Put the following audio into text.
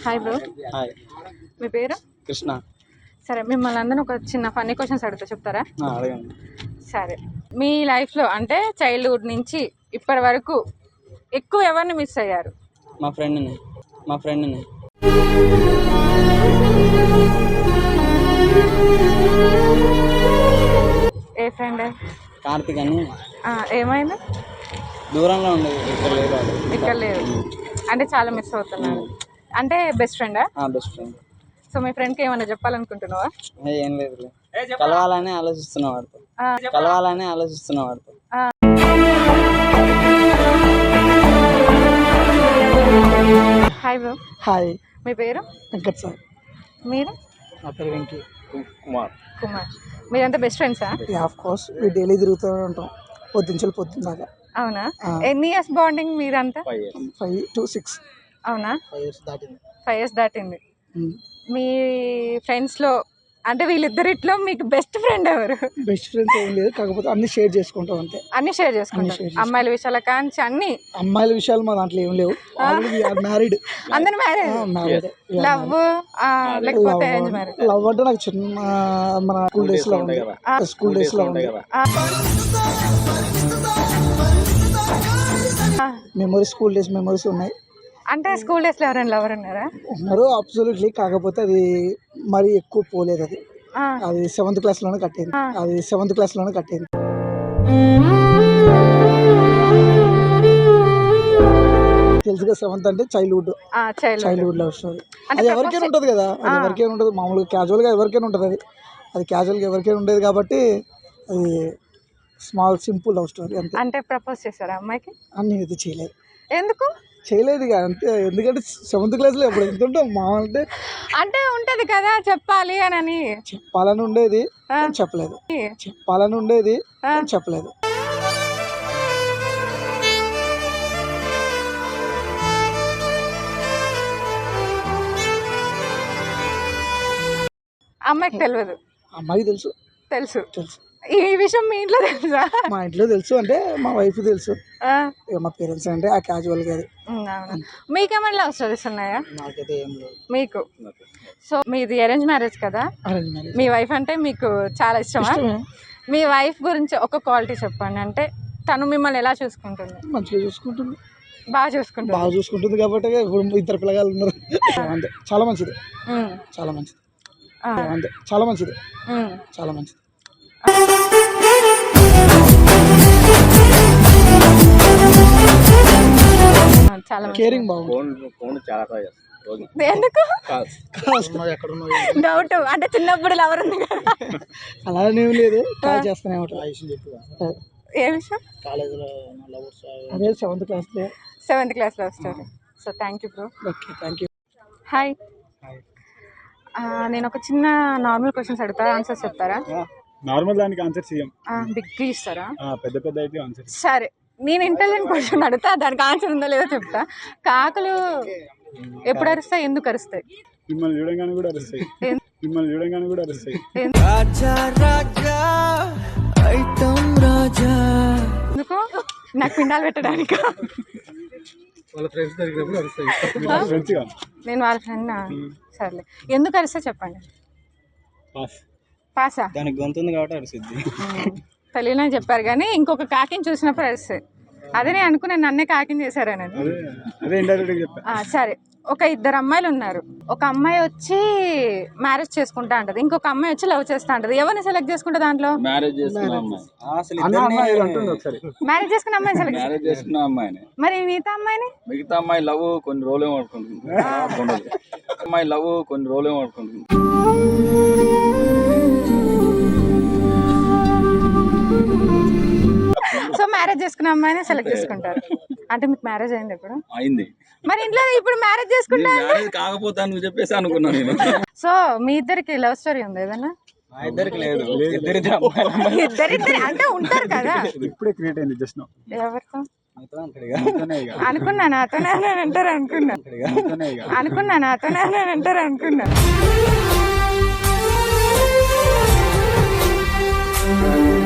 Hi bro. Hi. మీ పేరు? కృష్ణ. సరే, మిమ్మల్ని అందరూ ఒక చిన్న ఫన్నీ క్వశ్చన్స్ అడుగుతా, చెప్తారా? అడగండి. సరే, మీ లైఫ్లో అంటే చైల్డ్హుడ్ నుంచి ఇప్పటి వరకు ఎక్కువ ఎవరిని మిస్ అయ్యారు? మా ఫ్రెండ్ని. ఏ ఫ్రెండ్? కార్తిక్ అని. ఏమైంది? దూరంలో ఉండేది, ఇక్కడ లేదు. అంటే చాలా మిస్ అవుతున్నారు. అంటే బెస్ట్ ఫ్రెండా? Best friend. సో మీ ఫ్రెండ్కి ఏమైనా చెప్పాలనుకుంటున్నావా? ఏం లేదు, కలవాలని ఆలోచిస్తున్నా వాడితో. Hi bro. హాయ్. మీ పేరు? వెంకట్ సార్. మీరు? నా పేరు వెంకీ. కుమార్. మీరంతా బెస్ట్ ఫ్రెండ్సా? ఆఫ్ కోర్స్, మేము డైలీ తిరుగుతూనే ఉంటాం, పొద్దున్నాక. అవునా? ఎన్ని ఇయర్స్ బాండింగ్ మీరంతా? 5 to 6. అవునా? 5 years దాటింది. మీ ఫ్రెండ్స్లో అంటే వీళ్ళిద్దరిట్లో మీకు బెస్ట్ ఫ్రెండ్ ఎవరు? బెస్ట్ ఫ్రెండ్స్ ఏం లేదు, కాకపోతే అన్ని షేర్ చేసుకుంటాం అంతే. అన్ని షేర్ చేసుకుంటాం, అమ్మాయిల విషయాల కాంచి అన్ని. అమ్మాయిల విషయాలు మా దాంట్లో ఏం లేవు. మ్యారీడ్. అందరూ మ్యారేజ్. లవ్ లేకపోతే అరేంజ్ మ్యారేజ్? లవ్ అంటే నాకు చిన్న మన స్కూల్ డేస్ లో ఉంది. మెమరీస్, స్కూల్ డేస్ మెమరీస్ ఉన్నాయి. అంటే స్కూల్ డేస్లో ఎవరైనా లవర్ ఉన్నారా? ఉన్నారు, అబ్సల్యూట్లీ. కాకపోతే అది మరీ ఎక్కువ పోలేదు. అది 7th క్లాస్లోనే కట్టింది. తెలుసుగా, 7th అంటే చైల్డ్హుడ్ లవ్ స్టోరీ. అది ఎవరికైనా ఉంటుంది కదా, అది ఎవరికైనా ఉంటుంది. మామూలుగా క్యాజువల్గా ఎవరికైనా ఉంటుంది. అది క్యాజువల్గా ఎవరికైనా ఉండేది కాబట్టి అది స్మాల్ సింపుల్ లవ్ స్టోరీ అంతే. అంటే ప్రపోజ్ చేశారా అమ్మాయికి? అన్ని ఇది చేయలేదు. ఎందుకు చేయలేదు? అంతే. ఎందుకంటే 7th క్లాస్లో ఎప్పుడు ఎంత ఉంటాం మామూలు అంటే ఉంటది కదా, చెప్పాలి అని. చెప్పాలని ఉండేది, చెప్పలేదు. అమ్మాయికి తెలియదు? అమ్మాయికి తెలుసు. ఈ విషయం మీ ఇంట్లో తెలుసా? మా ఇంట్లో తెలుసు, అంటే మా వైఫ్ తెలుసు, మా పేరెంట్స్ అంటే ఆ క్యాజువల్ గా. మీకేమైనా లవ్ స్టోరీస్ ఉన్నాయా? నాకైతే ఏం లేదు. మీకు? సో మీది అరేంజ్ మ్యారేజ్ కదా? మీ వైఫ్ అంటే మీకు చాలా ఇష్టమా? మీ వైఫ్ గురించి ఒక క్వాలిటీ చెప్పండి. అంటే తను మిమ్మల్ని ఎలా చూసుకుంటుంది? మంచిగా చూసుకుంటుంది. బాగా చూసుకుంటుంది కాబట్టి ఇప్పుడు 2 పిల్లగాళ్ళు ఉన్నారు. అంతే. చాలా మంచిది. చాలా కేరింగ్. ఎందుకు డౌట్? అంటే చిన్నప్పుడు లవర్ ఉంది కదా? అలానే లేదు, కాల్ చేస్తూనే ఉంటాను. ఏ విషయం? అదే 7th class love story. So thank you bro. Okay, thank you. Hi. నేను ఒక చిన్న నార్మల్ క్వశ్చన్స్ అడుగుతా, ఆన్సర్స్ చెప్తారా? నార్మల్ దానికి ఆన్సర్ చేయం, బిగ్ ఇస్తారా? పెద్ద అయితే ఆన్సర్. సరే, నేను ఇంటెలిజెంట్ క్వశ్చన్ అడుగుతా, దానికి ఆన్సర్ ఉందో లేదో చెప్తా. కాకులు ఎప్పుడు అరుస్తాయి, ఎందుకు అరుస్తాయి? మిమ్మల్ని చూడంగానే కూడా అరుస్తాయి. ఎందుకు? నాకు పిండాలు పెట్టడానికి. నేను వాళ్ళ ఫ్రెండ్. సర్లే, ఎందుకు అరిస్తే చెప్పండి. పాసా? దానికి గొంతుంది కాబట్టి అరిసిద్ది. తెలియని చెప్పారు కానీ ఇంకొక కాకిని చూసినప్పుడు అరిస్తే. అదే నేను అనుకున్నాను, నన్నే కాకిని చేశారని. సరే, ఒక 2 అమ్మాయిలు ఉన్నారు. ఒక అమ్మాయి వచ్చి మ్యారేజ్ చేసుకుంటా అంటది, ఇంకొక అమ్మాయి వచ్చి లవ్ చేస్తా అంటది. ఎవరిని సెలెక్ట్ చేసుకుంటా దాంట్లో? మ్యారేజ్ చేసుకున్న అమ్మాయిని. మరి మిగతా అమ్మాయి లవ్ కొన్ని రోజులు పడుకుంటుంది. సో మ్యారేజ్ చేసుకున్న అమ్మాయిని సెలెక్ట్ చేసుకుంటారు. అంటే మీకు మ్యారేజ్ అయింది? ఎప్పుడు అయింది? మరి ఇంట్లో ఇప్పుడు మ్యారేజ్ చేసుకుంటారు కాకపోతే అని చెప్పేసి అనుకున్నాను నేను. సో మీ ఇద్దరికి లవ్ స్టోరీ ఉంది ఏదన్నా? ఇద్దరికి లేదు, ఇద్దరిద్దరు అంటే ఉంటారు కదా. ఇప్పుడే క్రియేట్ అయింది జస్ట్ నౌ. ఎవరితో అనుకున్నా? నాతోనే అంటారు అనుకున్నా.